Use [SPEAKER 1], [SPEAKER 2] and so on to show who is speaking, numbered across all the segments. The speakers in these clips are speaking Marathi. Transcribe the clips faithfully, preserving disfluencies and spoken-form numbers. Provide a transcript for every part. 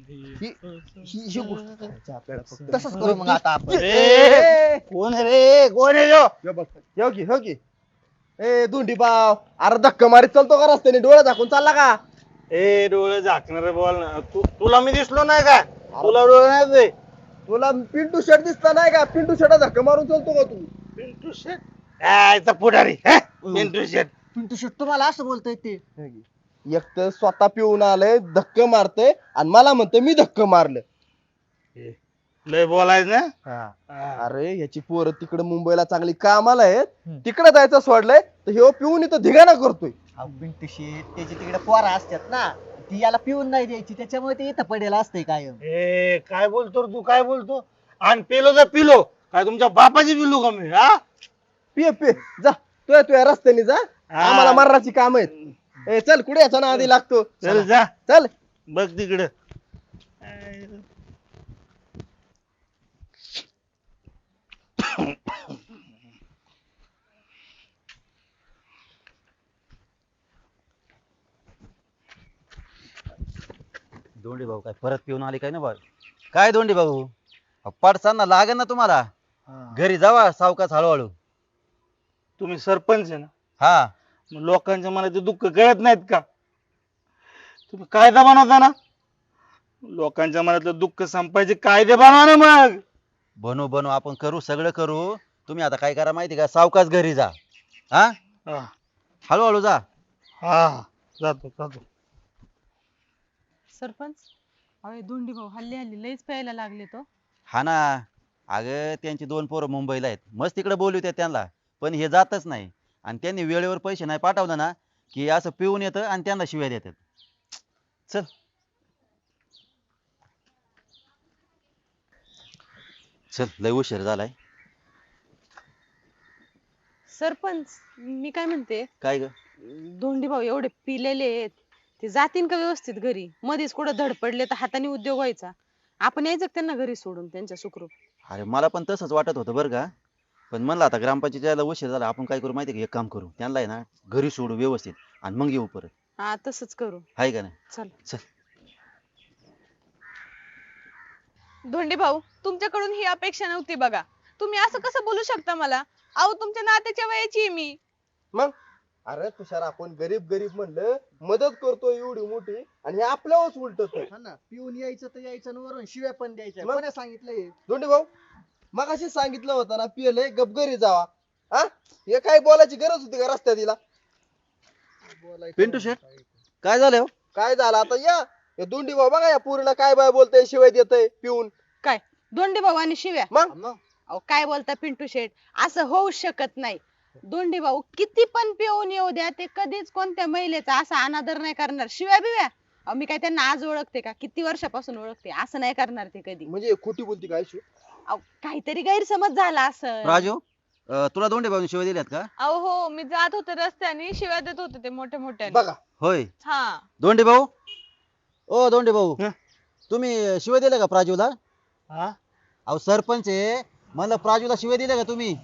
[SPEAKER 1] ही ही ही गोष्ट करायची आपल्याला फक्त.
[SPEAKER 2] तसंच करू मग आता आपण.
[SPEAKER 1] ए,
[SPEAKER 3] कोण आहे रे कोण आहे ह्यो?
[SPEAKER 1] हे बघ, हे की हे की ए धुंडी बाव अरे धक्का मारीत चालतो का रस्त्याने डोळे झाकून चालला का?
[SPEAKER 3] ए डोळे झाकणारे बोल ना तू तुला मी दिसलो नाही का तुला डोळे नाही दे
[SPEAKER 1] तुला पिंटू शर्ट दिसला नाही का? पिंटू शर्ट धक्का मारून चालतो का तू?
[SPEAKER 3] पिंटू शेट यायचा पुढारी हे? पिंटू शेट
[SPEAKER 2] पिंटू शेट तुम्हाला असं बोलतोय ते.
[SPEAKER 1] हे की. एक तर स्वतः पिऊन आलंय धक्का मारतय आणि मला म्हणतोय मी धक्का मारलं.
[SPEAKER 3] लय बोलायच ना
[SPEAKER 1] हा.
[SPEAKER 3] हा.
[SPEAKER 1] अरे ह्याची पोरं तिकडे मुंबईला चांगली कामाला आहेत
[SPEAKER 2] हम्म.
[SPEAKER 1] तिकडे जायचं सोडलंय तर ह्यो पिऊन इथं धिगाणा करतोय.
[SPEAKER 2] अहो, पिंटू शेट त्याची तिकडे पोरा असतात ना, ती याला पिऊन नाही द्यायची, त्याच्यामुळे ते इथं पडेल असतंय कायम.
[SPEAKER 3] ए काय बोलतो रे तू काय बोलतो आणि पिलो तर पिलो काय तुमच्या बापाची पिलो का मी हा
[SPEAKER 1] पिय पिय जा तू तुझ्या रस्त्याने जा
[SPEAKER 3] हा.
[SPEAKER 1] आम्हाला मरणाची काम आहेत. ए चल कुठे याचा ना आधी लागतो
[SPEAKER 3] चल जा
[SPEAKER 1] चल.
[SPEAKER 3] बघ तिकडं
[SPEAKER 4] दोंडी भाऊ काय परत पिऊन आले काय ना बा काय दोंडी भाऊ पडसाना लागेल ना तुम्हाला घरी जावा सावकाश हळूहळू.
[SPEAKER 3] तुम्ही सरपंच आहे ना
[SPEAKER 4] हा
[SPEAKER 3] मग लोकांच्या मनाचे दुःख कळत नाहीत का तुम्ही कायदा बनवता ना लोकांच्या मनातलं दुःख संपायचे कायदे बनवा ना मग
[SPEAKER 4] बनू बनू आपण करू सगळं करू. तुम्ही आता काय करा माहिती का सावकाश घरी जा. हा
[SPEAKER 3] हा
[SPEAKER 4] हळूहळू जा.
[SPEAKER 3] हा जातो जातो
[SPEAKER 5] सरपंच अरे धोंडी भाऊ हल्ली हल्ली लयच प्यायला लागले तो.
[SPEAKER 4] हा ना अगं त्यांची दोन पोरं मुंबईला आहेत मस्त तिकडे बोलवते त्यांना पण हे जातच नाही आणि त्यांनी वेळेवर पैसे नाही पाठवलं ना की असं पिऊन येतं आणि त्यांना शिव्या देतात. चल चल लय उशीर झालाय.
[SPEAKER 5] सरपंच मी काय म्हणते
[SPEAKER 4] काय ग
[SPEAKER 5] धोंडी भाऊ एवढे पिलेले आहेत ते जातीन का व्यवस्थित घरी? मध्येच कुठं धड पडले तर हाताने उद्योग व्हायचा. आपण यायचं का त्यांना घरी सोडून त्यांच्या सुखरूप?
[SPEAKER 4] अरे मला पण तसंच वाटत होतं बरं का पण म्हणलं आता ग्रामपंचायतीला उशीर झाला आपण काय करू माहिती का एक काम करू त्यांना आहे ना घरी सोडू व्यवस्थित आणि मग येऊ परत.
[SPEAKER 5] हा तसंच करू.
[SPEAKER 4] आहे का नाही
[SPEAKER 5] चल
[SPEAKER 4] चल.
[SPEAKER 6] धोंडे भाऊ तुमच्याकडून ही अपेक्षा नव्हती बघा. तुम्ही असं कसं बोलू शकता मला? अहो तुमच्या नात्याच्या वयाची आहे मी.
[SPEAKER 1] मग अरे तुषार आपण गरीब गरीब म्हणलं मदत करतोय एवढी मोठी आणि हे आपल्यावरच उलटत
[SPEAKER 2] हा ना, पिऊन यायचं तर यायचं आणि वरून शिव्या पण द्यायच्या.
[SPEAKER 1] मग?
[SPEAKER 2] कोणी सांगितलंय?
[SPEAKER 1] दोंडी भाऊ मग अशी सांगितलं होतं ना पियलंय गपगरी जावा. हा हे काय बोलायची गरज होती का रस्त्यात तिला?
[SPEAKER 2] बोलायचं
[SPEAKER 4] पिंटू शेट काय झालं हो?
[SPEAKER 1] काय झालं आता या हे दोंडी भाऊ बघा या पूर्ण काय बाय बोलतय शिवाय देतय पिऊन.
[SPEAKER 5] काय धोंडी भाऊ आणि शिव्या?
[SPEAKER 1] मग
[SPEAKER 2] मग
[SPEAKER 5] अहो काय बोलता पिंटू शेठ असं होऊ शकत नाही. धोंडी भाऊ किती पण पिऊन येऊ द्या ते कधीच कोणत्या महिलेचा असा अनादर नाही करणार. शिव्या बिव्या अहो मी काय त्यांना आज ओळखते का किती वर्षापासून ओळखते असं नाही करणार ते कधी.
[SPEAKER 1] म्हणजे खोटी बोलती काय शिव?
[SPEAKER 5] अहो काहीतरी गैरसमज झाला असं.
[SPEAKER 4] राजू अं, तुला दोंडे भाऊनी शिवाय दिल्यात का?
[SPEAKER 6] अहो हो मी जात होते रस्त्याने शिव्या देत होते ते मोठ्या मोठ्याने.
[SPEAKER 1] बघा
[SPEAKER 4] होय
[SPEAKER 6] हा
[SPEAKER 4] दोंडे भाऊ ओ दोंडे भाऊ
[SPEAKER 3] हं?
[SPEAKER 4] तुम्ही शिवाय दिले का प्राजूला?
[SPEAKER 3] हा
[SPEAKER 4] अहो सरपंच आहे म्हणलं प्राजूला शिवाय दिले का तुम्ही?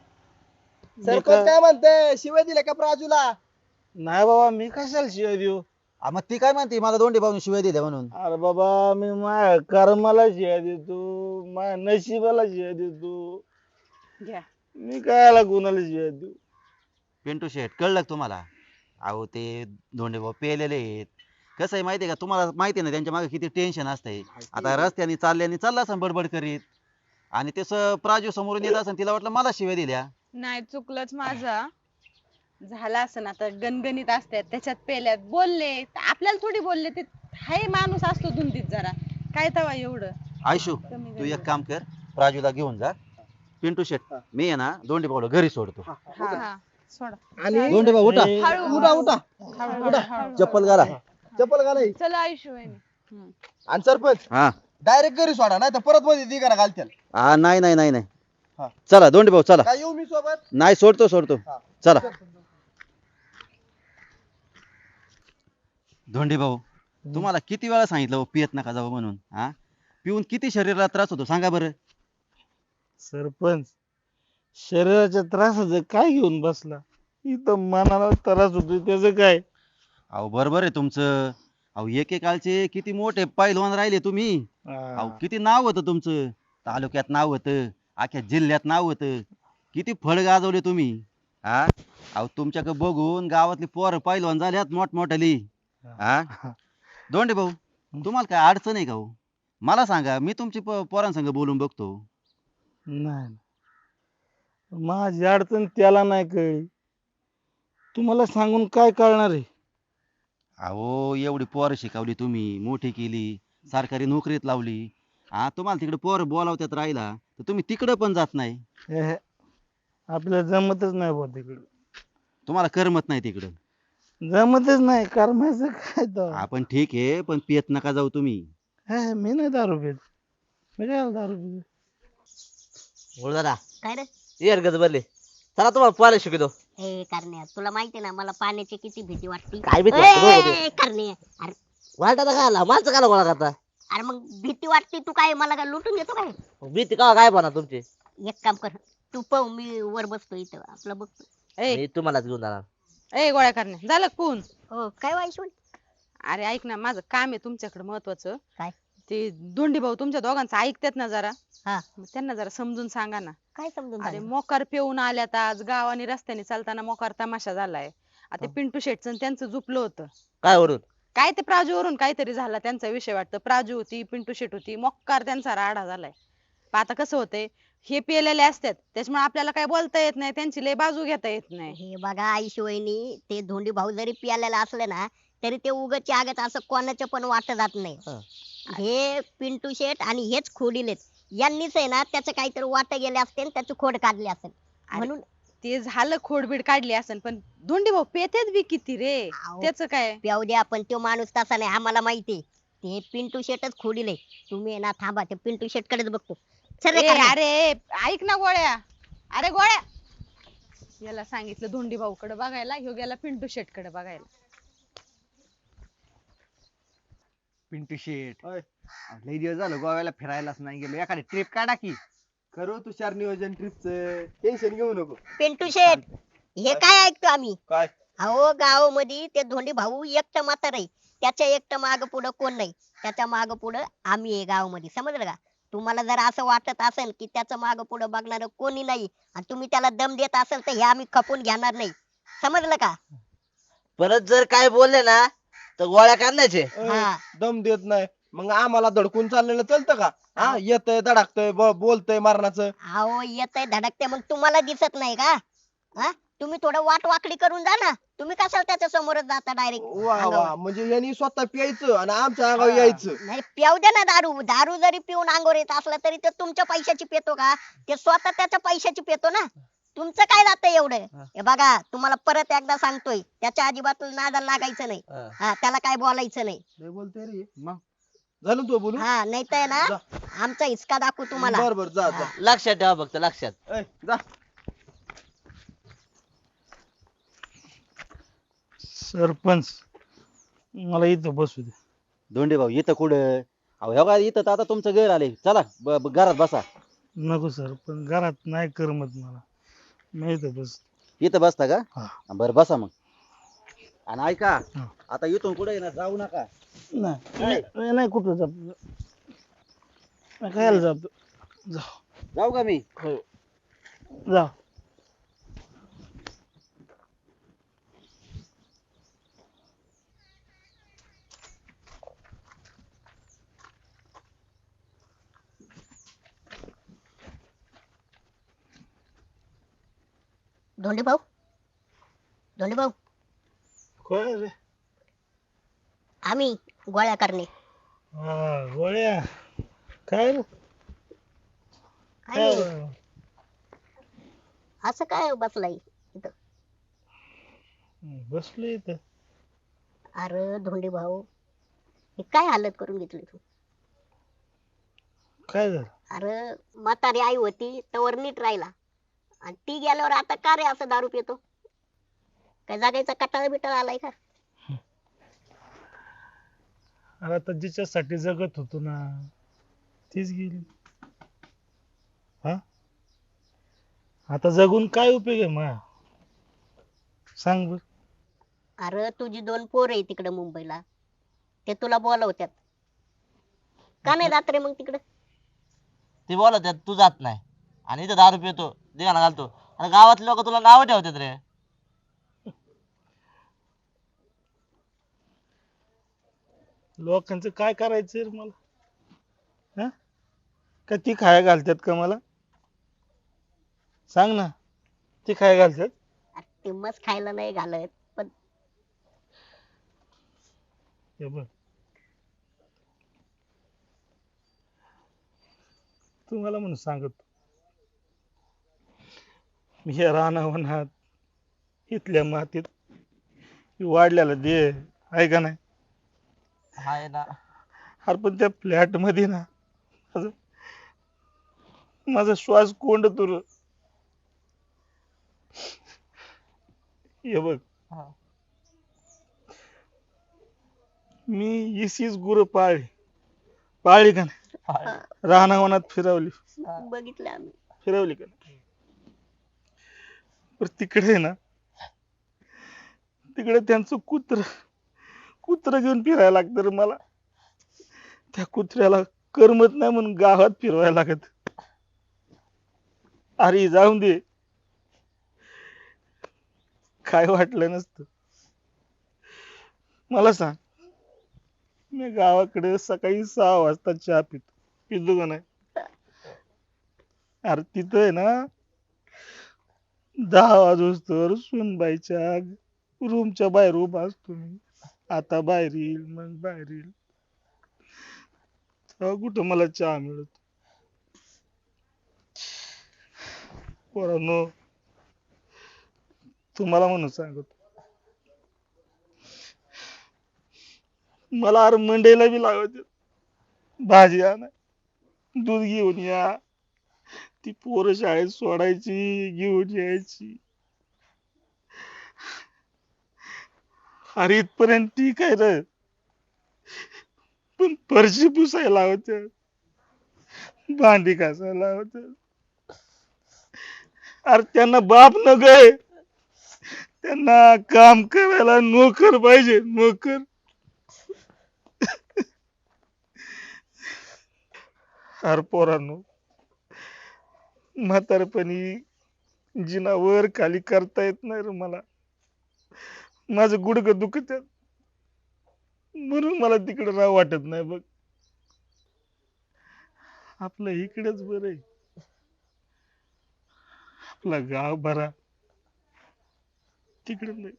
[SPEAKER 1] सरपंच काय म्हणते शिवाय दिल्या का प्राजूला?
[SPEAKER 3] नाही बाबा मी कशाला शिवाय देऊ
[SPEAKER 4] आ, मग ती काय म्हणते मला दोंडे भाऊनी शिवाय दिल्या म्हणून?
[SPEAKER 3] अरे बाबा मी माझ्या कर्माला शिवाय देतो माझ्या नशिबाला शिवाय देतो
[SPEAKER 5] घ्या.
[SPEAKER 3] मी कायला कोणाला शिवाय देऊ
[SPEAKER 4] पिंटू शेट कळलं का तुम्हाला? अहो ते दोंडे भाऊ पेलेले आहेत. कसं आहे माहितीये का तुम्हाला माहिती आहे ना त्यांच्या मागे किती टेन्शन असतंय. आता रस्त्याने चालल्याने चालला असं बडबड करीत आणि तसं प्राजू समोरून येत असं तिला वाटलं मला शिव्या दिल्या.
[SPEAKER 6] नाही चुकलंच माझा.
[SPEAKER 5] झाला असं ना तर गणगणित असतात त्याच्यात पेल्यात बोलले तर आपल्याला थोडी बोलले ते हाय माणूस असतो धुंदीत जरा काय तवा एवढं.
[SPEAKER 4] आयशू
[SPEAKER 5] कमी
[SPEAKER 4] तू
[SPEAKER 5] झालं.
[SPEAKER 4] एक काम कर प्राजूला घेऊन जा. पिंटू शेट मी आहे ना दोंडे भाऊला घरी सोडतो.
[SPEAKER 5] हा सोडा.
[SPEAKER 1] आणि
[SPEAKER 4] दोंडे भाऊ उठा
[SPEAKER 3] ए,
[SPEAKER 6] हळू
[SPEAKER 1] उठा उठा
[SPEAKER 5] हळू- हळू-
[SPEAKER 4] चप्पल घाला.
[SPEAKER 1] चप्पल घालाय.
[SPEAKER 6] चला आयुष्य
[SPEAKER 1] आणि सरपंच
[SPEAKER 4] हा
[SPEAKER 1] डायरेक्ट घरी सोडा नाही तर परत मध्ये दिगाना घालतील.
[SPEAKER 4] हा नाही नाही नाही नाही
[SPEAKER 1] हा.
[SPEAKER 4] चला दोंडे भाऊ चला.
[SPEAKER 1] काय येऊ मी सोबत?
[SPEAKER 4] नाही सोडतो सोडतो
[SPEAKER 1] हा.
[SPEAKER 4] चला. धोंडे भाऊ तुम्हाला किती वेळा सांगितलं हो, पियत नका जाऊ म्हणून. हा पिऊन किती शरीराला त्रास होतो सांगा बरं.
[SPEAKER 3] सरपंच शरीराच्या त्रासाचं काय घेऊन बसला इथं मनाला त्रास होतो त्याचं काय
[SPEAKER 4] अहो बरोबर आहे तुमचं अहो एकेकाळचे किती मोठे पैलवान राहिले तुम्ही. अहो
[SPEAKER 3] हा.
[SPEAKER 4] किती नाव होतं तुमचं, तालुक्यात नाव होतं, अख्ख्या जिल्ह्यात नाव होतं. किती फळ गाजवले तुम्ही. हा अहो तुमच्याकडे बघून गावातली पोरं पैलवान झाल्यात मोठमोठाली. हा दोंडे भाऊ, तुम्हाला काय अडचण आहे का हो? मला सांगा, मी तुमची प- पोरांसंग बोलून बघतो.
[SPEAKER 3] नाही, माझी अडचण त्याला नाही कळली, तुम्हाला सांगून काय कळणार आहे?
[SPEAKER 4] अहो एवढी पोरं शिकवली तुम्ही, मोठी केली, सरकारी नोकरीत लावली. हा तुम्हाला तिकडे पोरं बोलावत्यात राहिला तर तुम्ही तिकडे पण जात नाही.
[SPEAKER 3] एहे, आपल्याला जमतच नाही बुवा तिकडं.
[SPEAKER 4] तुम्हाला करमत नाही तिकडं.
[SPEAKER 3] जमतच नाही करमायचं काय तर.
[SPEAKER 4] आपण ठीक आहे, पण पियत नका जाऊ तुम्ही.
[SPEAKER 3] हे, मी नाही दारू पित. मी काय दारू पित?
[SPEAKER 7] बोल दादा
[SPEAKER 8] काय रे
[SPEAKER 7] ये गज बरले चला तुम्हाला पोहायला शिकवतो.
[SPEAKER 8] ए करण्या तुला माहिती ना मला पाण्याची किती भीती वाटते.
[SPEAKER 7] काय भीती वाटते? बरोबर आहे.
[SPEAKER 8] ए, करण्या अरे
[SPEAKER 7] वाटायला काय आला माणसं काला गोळा करता
[SPEAKER 8] अरे मग भीती वाटते तू काय मला काय लुटून घेतो काय.
[SPEAKER 7] भीती का काय बना तुमची
[SPEAKER 8] एक काम कर तू पाहू मी वर बसतो इथं आपलं बघतो.
[SPEAKER 5] ए
[SPEAKER 7] मी तुम्हालाच घेऊन जाणार.
[SPEAKER 5] ए गोळ्या करणे झालं का पून?
[SPEAKER 8] हो काय वाईशून
[SPEAKER 5] अरे ऐक ना, माझं काम आहे तुमच्याकडे महत्वाचं.
[SPEAKER 8] काय?
[SPEAKER 5] ते दोंडी भाऊ तुमच्या दोघांचं ऐकतात ना जरा.
[SPEAKER 8] हा.
[SPEAKER 5] मग त्यांना जरा समजून सांगा ना.
[SPEAKER 8] काय समजून
[SPEAKER 5] अरे
[SPEAKER 8] सांगू?
[SPEAKER 5] मोकार पिऊन आल्यात आज गावाने रस्त्याने चालताना मोकार तमाशा झालाय. आता ते पिंटू शेटचं आणि त्यांचं झुपलं होतं.
[SPEAKER 7] काय वरून
[SPEAKER 5] काय ते प्राजूवरून काहीतरी झाला त्यांचा विषय वाटतं. प्राजू होती, पिंटू शेट होती, मोकार त्यांचा राडा झालाय. पण आता कसं होतंय, हे पिलेले असतात त्याच्यामुळे आपल्याला काय बोलता येत नाही, त्यांची लय बाजू घेता येत नाही.
[SPEAKER 8] हे बघा आईशी वहिनी ते धोंडी भाऊ जरी पियालेला असले ना तरी ते उगच आगत असं कोणाचं पण वाट जात नाही.
[SPEAKER 7] हा.
[SPEAKER 8] हे पिंटू शेट आणि हेच खोडीलेत यांनीच आहे ना त्याचं काहीतरी वाट गेले असते आणि त्याची खोड काढली असेल म्हणून.
[SPEAKER 5] ते झालं खोडबीड काढली असेल, पण धोंडी भाऊ पेतेत बी किती रे.
[SPEAKER 8] अहो,
[SPEAKER 5] त्याच काय.
[SPEAKER 8] प्याऊ द्या पण तो माणूस तसा नाही आम्हाला माहिती. ते पिंटू शेटच खोडीले. तुम्ही आहे ना थांबा ते पिंटू शेट कडेच बघतो. चल रे
[SPEAKER 5] ए,
[SPEAKER 8] करण्या.
[SPEAKER 5] अरे ऐक ना गोळ्या, अरे गोळ्या, याला सांगितलं धोंडी भाऊ कडे बघायला, ह्यो गेला पिंटू शेट कडे बघायला.
[SPEAKER 2] पिंटू शेट
[SPEAKER 1] होय.
[SPEAKER 2] लई दिवस झालं गोव्याला फिरायलाच नाही गेलो. एखादी ट्रिप काढा की.
[SPEAKER 1] करू तुषार नियोजन ट्रिपचं, टेन्शन घेऊ नको.
[SPEAKER 8] पिंटू शेट हे काय ऐकतो आम्ही.
[SPEAKER 1] काय
[SPEAKER 8] अहो गावामध्ये ते धोंडी भाऊ एकटं म्हातार आहे. त्याच्या एकटं माग पुढं कोण नाही. त्याच्या माग पुढं आम्ही आहे गावामध्ये, समजलं का. तुम्हाला जर असं वाटत असेल की त्याचं माग पुढं बघणार कोणी नाही आणि तुम्ही त्याला दम देत असेल तर हे आम्ही खपून घेणार नाही, समजलं का.
[SPEAKER 7] परत जर काय बोलले ना तर गोळ्या काढण्याचे.
[SPEAKER 1] अय,
[SPEAKER 8] हा.
[SPEAKER 1] दम देत नाही मग आम्हाला धडकून चाललेलं चालतं का? हा येतय धडकतय बोलतय मारणाचं.
[SPEAKER 8] अहो येतय धडकते मग तुम्हाला दिसत नाही का. हा तुम्ही थोडं वाट वाकडी करून जा ना. तुम्ही कशाला त्याच्या समोरच जाता डायरेक्ट.
[SPEAKER 1] वा वा म्हणजे यांनी स्वतः प्यायचं आणि आमच्या अंगावर यायचं.
[SPEAKER 8] नाही प्याऊ द्या ना दारू. दारू जरी पिऊन अंगोर येत असला तरी ते तुमच्या पैशाची पितो का. ते स्वतः त्याच्या पैशाची पितो ना. तुमचं काय जातं एवढं. हे बघा तुम्हाला परत एकदा सांगतोय त्याच्या अजिबात नादाला लागायचं नाही.
[SPEAKER 7] हा.
[SPEAKER 8] हा त्याला काय बोलायचं नाही.
[SPEAKER 1] लय बोलतोय रे.
[SPEAKER 2] मग
[SPEAKER 1] झालं तू बोलू.
[SPEAKER 8] हा नाही तर ना
[SPEAKER 1] जा.
[SPEAKER 8] आमचा हिसका दाखवू तुम्हाला.
[SPEAKER 1] बर बर जा जा.
[SPEAKER 7] लक्षात ठेवा फक्त लक्षात.
[SPEAKER 1] अय, जा.
[SPEAKER 3] सरपंच, मला इथं बसू दे.
[SPEAKER 4] दोंडे भाऊ इथं कुठं? अहो हे बघा, इथं तर आता तुमचं घर आले. चला ब- ब- घरात बसा.
[SPEAKER 3] नको सर, पण घरात नाही करमत मला. मी इथं बस.
[SPEAKER 4] इथं बसता का?
[SPEAKER 3] हा.
[SPEAKER 4] बरं बसा मग. आणि ऐका,
[SPEAKER 3] हा.
[SPEAKER 4] आता इथून कुठे ना जाऊ नका.
[SPEAKER 3] नाही नाही नाही, कुठं जातो. खायला जातो. जाऊ
[SPEAKER 4] जाऊ का मी?
[SPEAKER 3] जाऊ.
[SPEAKER 8] धोंडी भाऊ धोंडी भाऊ
[SPEAKER 3] काय रे?
[SPEAKER 8] आम्ही गोळ्या करणे.
[SPEAKER 3] हा गोळ्या. काय रे?
[SPEAKER 8] काय
[SPEAKER 3] काय?
[SPEAKER 8] असं काय बसलाय इथं.
[SPEAKER 3] बसलो इथं.
[SPEAKER 8] अरे धोंडी भाऊ हे काय हालत करून घेतली तू.
[SPEAKER 3] काय झालं?
[SPEAKER 8] अरे म्हातारी आई होती तवर नीट राहिला आणि ती गेल्यावर आता का रे असं दारू पितो. काय जागायचा कटाळा बिटाळा आलाय का.
[SPEAKER 3] अरे आता जिच्यासाठी जगत होतो ना तीच गेली. हा आता जगून काय उपयोग आहे मा, सांग बर.
[SPEAKER 8] अरे तुझी दोन पोर आहे तिकडे मुंबईला ते तुला बोलवत्यात का नाही जात रे मग तिकडे?
[SPEAKER 7] ते बोलत आहेत, तू जात नाही आणि इथं दारू पितो धिंगाणा घालतो आणि गावातले लोक तुला नाव ठेवतात रे.
[SPEAKER 3] लोकांचं काय करायचं रे मला? हा? का ती खाया घालतात का मला? सांग ना, ती खाया घालतात?
[SPEAKER 8] अरे ते मस्त खायला नाही घालत पण
[SPEAKER 3] हे बघ, तुम्हाला म्हणून सांगतो, मी हे रानावनात इथल्या मातीत वाढलेला दे आहे का नाही?
[SPEAKER 7] हाय ना.
[SPEAKER 3] अरे पण त्या फ्लॅट मध्ये ना माझं माझा श्वास कोंडतो रे. हे बघ,
[SPEAKER 7] हा.
[SPEAKER 3] मी इसीच गुरं पाळली पाळली का नाही?
[SPEAKER 7] हाय.
[SPEAKER 3] रानावनात फिरवली
[SPEAKER 8] बघितलं आम्ही.
[SPEAKER 3] फिरवली का नाही? पर तिकडे ना, तिकडे त्यांचं कुत्र कुत्र घेऊन फिरायला लागतं रे मला. त्या कुत्र्याला करमत नाही म्हणून गावात फिरवायला लागत. अरे जाऊन दे, काय वाटलं नसतं. मला सांग, मी गावाकडे सकाळी सहा वाजता चहा पितो पितो का नाही? अरे तिथं आहे ना, दहा वाजोस्तर सुनबाईच्या रूमच्या बाहेर उभा असतो मी. आता बाहेर येईल मग बाहेर येईल, तेव्हा कुठं मला चहा मिळत. पोरांनो, तुम्हाला म्हणून सांगतो, मला अरे मंडईला बी लागत भाजी आणा, दूध घेऊन या, ती पोरं शाळेत सोडायची घेऊन यायची. अरे इथपर्यंत ठीक आहे रे, पण फरशी पुसायला लावत्यात, भांडी घासायला लावत्यात. अरे त्यांना बाप न गय, त्यांना काम करायला नोकर पाहिजे, नोकर. अरे पोरांनो, म्हातारपणी जिना वर खाली करता येत नाही रे मला. माझं गुडघं दुखत म्हणून मला तिकडे राहावं वाटत नाही बघ. आपलं इकडेच बरं आहे, आपलं गाव भरा, तिकडे नाही.